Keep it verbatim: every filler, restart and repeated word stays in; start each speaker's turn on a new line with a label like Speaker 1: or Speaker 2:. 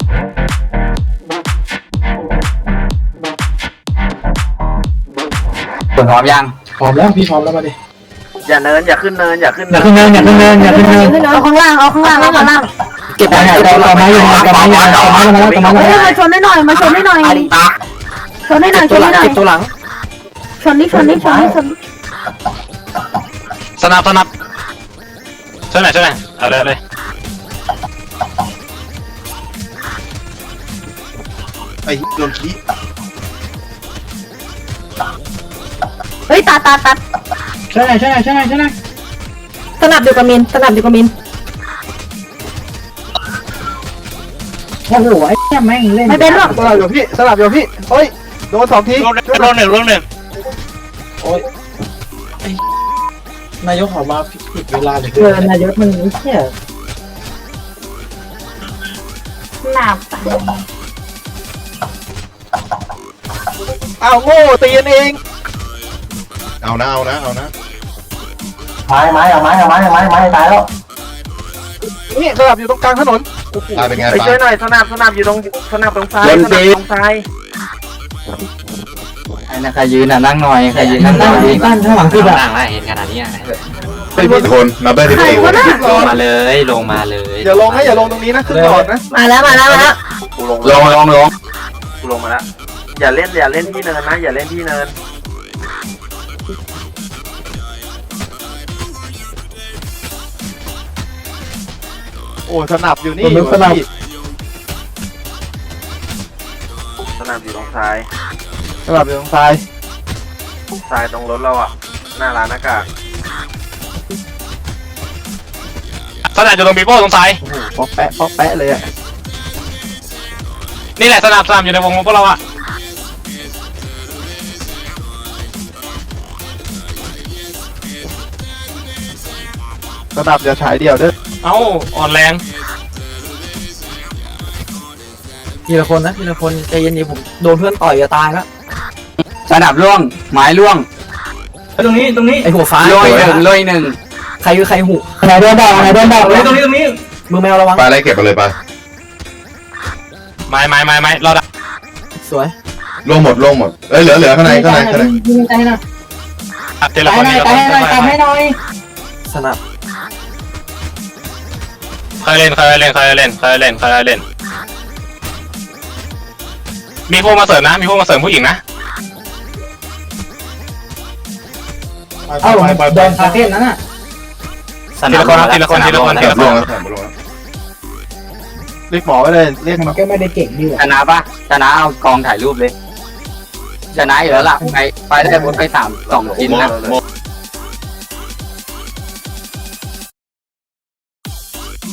Speaker 1: พร้อมยัง
Speaker 2: พร้อมแล้วพี่พร้อมแล้วมาดิ
Speaker 3: อย่าเนินอย่าขึ้นเนินอย่าขึ้น
Speaker 2: อย่าขึ้นเนินอย่าขึ้นเนินอย่าขึ้นเนิน
Speaker 4: เอาข้างล่างเอาข้างล่างเอาข้างล่าง
Speaker 2: เก็บไว้ไหนต่อต่อมาอยู่ต่อมาอยู่ต่อมาแล้วต่อมา
Speaker 4: เฮ้ย
Speaker 2: แล้ว
Speaker 4: มาชนได้หน่อยมาชนได้หน่อยชนได้หน่อยชนได้หน่อย
Speaker 2: เก็บตัวหลัง
Speaker 4: ชนนี่ชนนี่ชนนี่ชน
Speaker 5: สนับสนับช่วยหน่อยช่วยหน่อยเอาเลยเลย
Speaker 6: ไอ้โดนขี้
Speaker 4: เฮ้ยตาตาตา
Speaker 2: ช่วยหน่อยช่วยหน่อยช่วยหน่อยช่วยหน่อย
Speaker 4: สนับอยู่กับมินสนับอยู่กับมิน
Speaker 2: โอ้โหไอ้เหี้ยแม่งเล่น
Speaker 4: ไม่เป็นหรอก
Speaker 3: สลับอยู่พี่สลับอยู่พี่เฮ้ยโดนสองที
Speaker 5: ลงลงหนึ่งลงหนึ่ง
Speaker 2: โอ้ยไอ้นายกออกมาผิดเวลาเลย
Speaker 4: เออนายกมันเชี่ยหนาบ
Speaker 3: อ้าวโง่ตีกันเอง
Speaker 6: เอานะเอานะเอานะ
Speaker 1: ไม้ไม้เอาไม้เอาไม้เอาไม้ไม้ตายแล้ว
Speaker 3: นี่สลับอยู่ตรงกลางถนน
Speaker 6: ตายเป็นไง
Speaker 3: ไป
Speaker 6: ตา
Speaker 3: ช่วย ยหน่อยสนับสนับอยู่ตรงสนับตรงซ้าย
Speaker 1: เล่น
Speaker 3: สนั
Speaker 1: ดี
Speaker 3: บตรงซ้าย
Speaker 1: ไอ้นะใครยืนน่ะนั่งหน่อยใครยืนนั่งหน่
Speaker 2: ตั้
Speaker 1: อง ย
Speaker 2: ตั้งข้างหลังคือแบบ
Speaker 5: ล่างแล้วเห็นขนาดนี้
Speaker 6: เป็นพี่คนนับได้ที่
Speaker 4: ใคร
Speaker 6: เอว
Speaker 4: วะน่ะ
Speaker 5: ลงมาเลยลงมาเลย
Speaker 3: อย่าลงนะอย่าลงตรงนี้นะขึ้นก่อนนะ
Speaker 4: มาแล้วมาแล้วมาแล้ว
Speaker 3: กูลง
Speaker 1: ลงลงลง
Speaker 3: กูลงมาแล้วอย่าเล่นอย่าเล่นที่เนินนะอย่าเล่นที่เนินโอ้สนับอยู่นี่
Speaker 2: สนับ
Speaker 3: สนับอยู่ตรงซ้ายสนับอยู่ตรงซ้ายซ้ายตรงรถเราอ่ะหน้าร้านอากาศ
Speaker 5: สนับอยู่ตรงปีโป้ตรงซ้าย
Speaker 3: โอ้โหป๊อกแปะป๊อกแปะเลยอ่ะ
Speaker 5: นี่แหละสนับสนับอยู่ในวงพวกเราอะ
Speaker 3: สนับอย่าฉายเดี่ยวเด้อ
Speaker 5: เอ้าอ่อนแรง
Speaker 2: ทีละคนนะทีละคนใจเย็นๆผมโดนเพื่อนต่อยจะตายแล้ว
Speaker 1: สนับล่วงไม้ล่วง
Speaker 2: ตรงนี้ตรงนี้ไอ้หัวฟ้า
Speaker 1: ลอยหนึ่งลอยหนึ่ง
Speaker 2: ใครคือใครหูไหนโดนดอกไหนโดนดอกเลยตรงนี้ตรงนี้มือแมวระวัง
Speaker 6: ไปไล่เก็บไปเลยไป
Speaker 5: ไม้ไม้ไม้ไม้รอดัก
Speaker 2: สวย
Speaker 6: ล่วงหมดล่วงหมดเอ้ยเหลือเหลือข้างในข้างในข้างใน
Speaker 2: ยิงใจหน่อย
Speaker 5: เจรคนนี้เรา
Speaker 2: ตาย
Speaker 5: ต้อง
Speaker 2: หน่อยตายให้หน่อยสนับ
Speaker 5: เคยเล่นเคยเล่นเคยเล่นเคยเล่นเคยเล่นมีพวกมาเสริมนะมีพวกมาเสริมผู้หญิงนะ
Speaker 2: เอ้าโดนคาเฟ่นั้นน่ะ
Speaker 5: ทีละคนทีละคนทีละคนที
Speaker 6: เก็บ
Speaker 5: ละค
Speaker 6: ล่วง
Speaker 5: น
Speaker 6: แล้วล่วงแล้ว
Speaker 3: เรียกหมอไว้เลยเรียกหม
Speaker 2: มั
Speaker 3: อน
Speaker 2: ก็ไม่ได้เก่งดี
Speaker 1: ชนะปะชนะเอากองถ่ายรูปเลยชนะอยู่แล้วล่ะไปไปได้บนไปสามสองชิ้นนะ